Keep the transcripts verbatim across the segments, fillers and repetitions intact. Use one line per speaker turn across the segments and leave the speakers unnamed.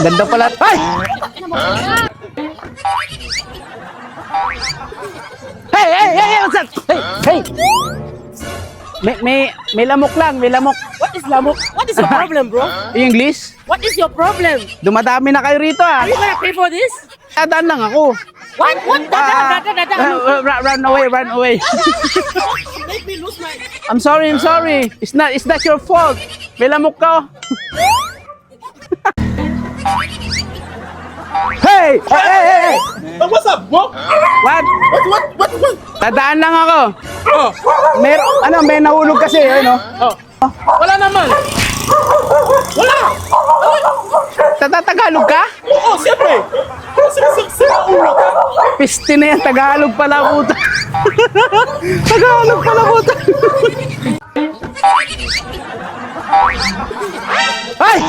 Ganda pala. Ay! Hey, hey, hey, hey, what's up? Hey, hey. May, may, may lamok lang, may lamok.
What is lamok? What is your problem, bro?
English?
What is your problem?
Dumadami na kayo rito ah.
Are you gonna pay for this?
Dadaan lang ako.
What? What?
Ah,
Dada, dada, dada.
uh, run, run away, run away.
Make me lose my...
I'm sorry, I'm sorry. It's not, it's not your fault. May lamok ka. Hey! Hey, hey, hey, hey!
Uh, what's up, bro?
What?
What, what, what, what?
Dadaan lang ako.
Oh,
Mer ano, may nahulog kasi, ano?
oh. Wala naman. Wala.
Tatatagalog ka?
Oo, oh, siyempre. Sira ulo ka.
Piste na yan, Tagalog pala puta. Tagalog pala puta. Ay!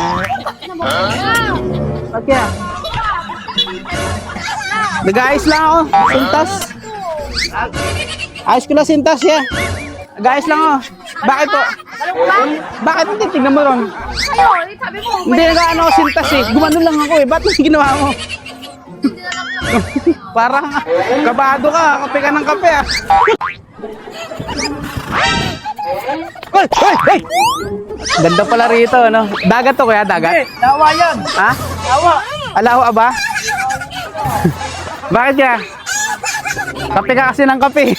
Okay ah. Nag-ayos lang ako, sintas. Ayos ko na sintas ya. Nag-ayos lang ako. Bakit po? Bakit hindi? Tignan mo ron.
Kayo, sabi mo,
Hindi nag-ano ako sintas eh. Gumano lang ako eh. Ba't yung ginawa mo? Parang kabado ka. Kape ka ng kape ah. Hoy! Hoy! Hoy! Ganda pala rito, no? Dagat to kuya, dagat?
Dawa yan.
Ha?
Dawa.
Alawa ba? Bakit ka? Kape ka kasi ng kape.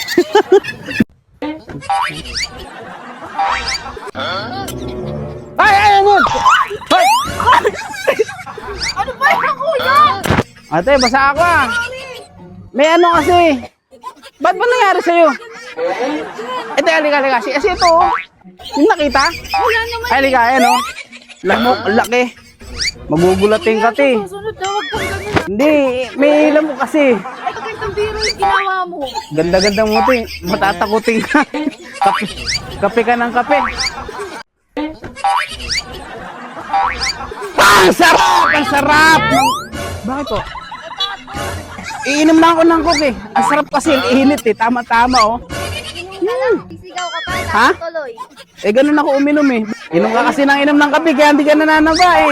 Ay! Ay! Ano? Hoy!
ano ba yan, kuya?
Ate, basa ako ah. May ano kasi. Ba't ba nangyari sa'yo? Ito, halika, halika. Kasi, kasi ito, oh. Yung nakita?
Wala naman.
Ay, halika, ayan, oh. Lamok, laki. Magugulating ka, te.
Susunod na, wag kang ganun.
Hindi, may lamok kasi.
Ito kayong biro yung ginawa mo.
Ganda-ganda mo, te. Matatakutin ka. Kape, kape ka ng kape. Ah, ang sarap! Ang sarap! Bakit po? Iinom na ako ng coke eh. Ang sarap kasi, init eh. Tama-tama oh.
Inom ka lang, sisigaw ka pa,
Ha?
tuloy.
Eh, ganun ako uminom eh. Inom ka kasi ng inom ng kape, kaya hindi ka nananaba eh.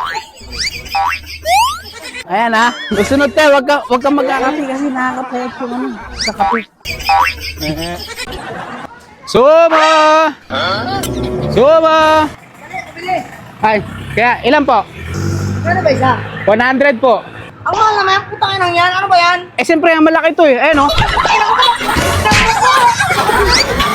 Ayan ha. Susunod ka, wag ka, wag ka magkakape kasi nakakapayat yung ano, sa kape. Sumo! Sumo! Ay, kaya ilan po?
Ano ba isa?
one hundred po.
Ang mahal naman, putang inang yan. Ano ba yan?
Eh, siyempre, ang malaki to eh. Ayan oh.